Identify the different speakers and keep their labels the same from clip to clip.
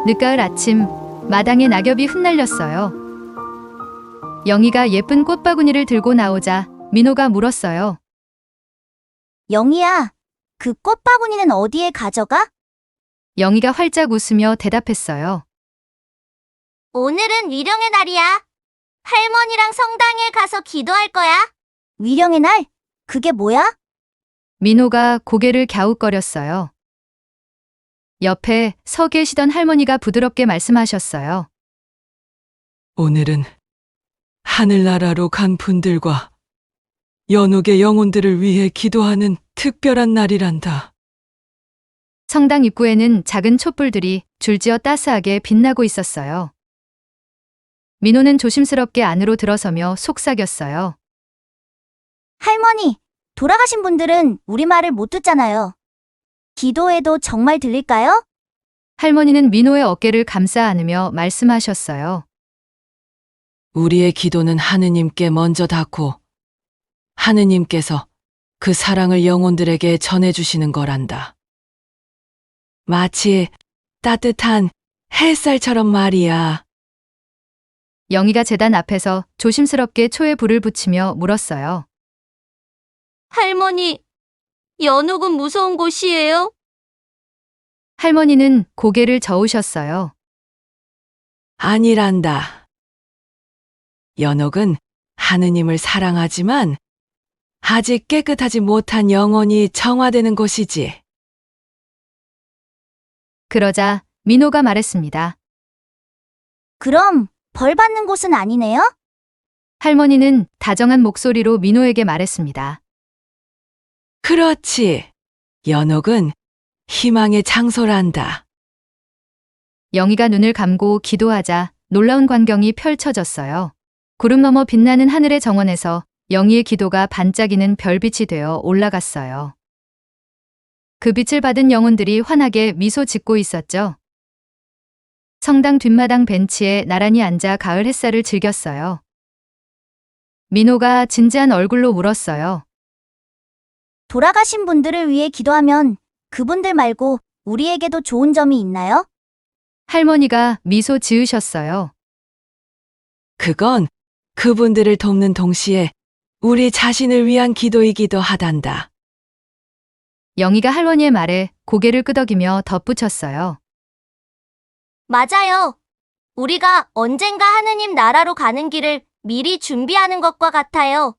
Speaker 1: 늦가을 아침, 마당에 낙엽이 흩날렸어요. 영희가 예쁜 꽃바구니를 들고 나오자 민호가 물었어요.
Speaker 2: 영희야, 그 꽃바구니는 어디에 가져가?
Speaker 1: 영희가 활짝 웃으며 대답했어요.
Speaker 2: 오늘은 위령의 날이야. 할머니랑 성당에 가서 기도할 거야. 위령의 날? 그게 뭐야?
Speaker 1: 민호가 고개를 갸웃거렸어요. 옆에 서 계시던 할머니가 부드럽게 말씀하셨어요.
Speaker 3: 오늘은 하늘나라로 간 분들과 연옥의 영혼들을 위해 기도하는 특별한 날이란다.
Speaker 1: 성당 입구에는 작은 촛불들이 줄지어 따스하게 빛나고 있었어요. 민호는 조심스럽게 안으로 들어서며 속삭였어요.
Speaker 2: 할머니, 돌아가신 분들은 우리 말을 못 듣잖아요. 기도해도 정말 들릴까요?
Speaker 1: 할머니는 민호의 어깨를 감싸 안으며 말씀하셨어요.
Speaker 3: 우리의 기도는 하느님께 먼저 닿고 하느님께서 그 사랑을 영혼들에게 전해주시는 거란다. 마치 따뜻한 햇살처럼 말이야.
Speaker 1: 영희가 제단 앞에서 조심스럽게 초에 불을 붙이며 물었어요.
Speaker 2: 할머니, 연옥은 무서운 곳이에요?
Speaker 1: 할머니는 고개를 저으셨어요.
Speaker 3: 아니란다. 연옥은 하느님을 사랑하지만 아직 깨끗하지 못한 영혼이 정화되는 곳이지.
Speaker 1: 그러자 민호가 말했습니다.
Speaker 2: 그럼 벌 받는 곳은 아니네요?
Speaker 1: 할머니는 다정한 목소리로 민호에게 말했습니다.
Speaker 3: 그렇지. 연옥은 희망의 장소란다.
Speaker 1: 영희가 눈을 감고 기도하자 놀라운 광경이 펼쳐졌어요. 구름 너머 빛나는 하늘의 정원에서 영희의 기도가 반짝이는 별빛이 되어 올라갔어요. 그 빛을 받은 영혼들이 환하게 미소 짓고 있었죠. 성당 뒷마당 벤치에 나란히 앉아 가을 햇살을 즐겼어요. 민호가 진지한 얼굴로 물었어요.
Speaker 2: 돌아가신 분들을 위해 기도하면 그분들 말고 우리에게도 좋은 점이 있나요?
Speaker 1: 할머니가 미소 지으셨어요.
Speaker 3: 그건 그분들을 돕는 동시에 우리 자신을 위한 기도이기도 하단다.
Speaker 1: 영희가 할머니의 말에 고개를 끄덕이며 덧붙였어요.
Speaker 2: 맞아요. 우리가 언젠가 하느님 나라로 가는 길을 미리 준비하는 것과 같아요.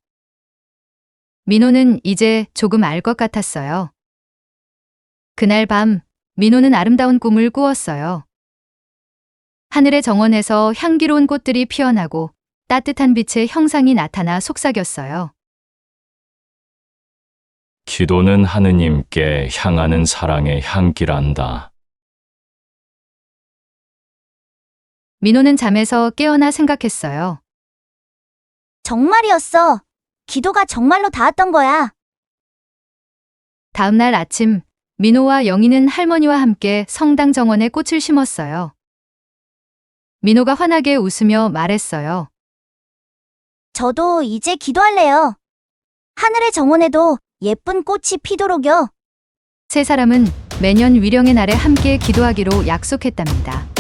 Speaker 1: 민호는 이제 조금 알 것 같았어요. 그날 밤 민호는 아름다운 꿈을 꾸었어요. 하늘의 정원에서 향기로운 꽃들이 피어나고 따뜻한 빛의 형상이 나타나 속삭였어요.
Speaker 4: 기도는 하느님께 향하는 사랑의 향기란다.
Speaker 1: 민호는 잠에서 깨어나 생각했어요.
Speaker 2: 정말이었어. 기도가 정말로 닿았던 거야.
Speaker 1: 다음 날 아침 민호와 영희는 할머니와 함께 성당 정원에 꽃을 심었어요. 민호가 환하게 웃으며 말했어요.
Speaker 2: 저도 이제 기도할래요. 하늘의 정원에도 예쁜 꽃이 피도록요.
Speaker 1: 세 사람은 매년 위령의 날에 함께 기도하기로 약속했답니다.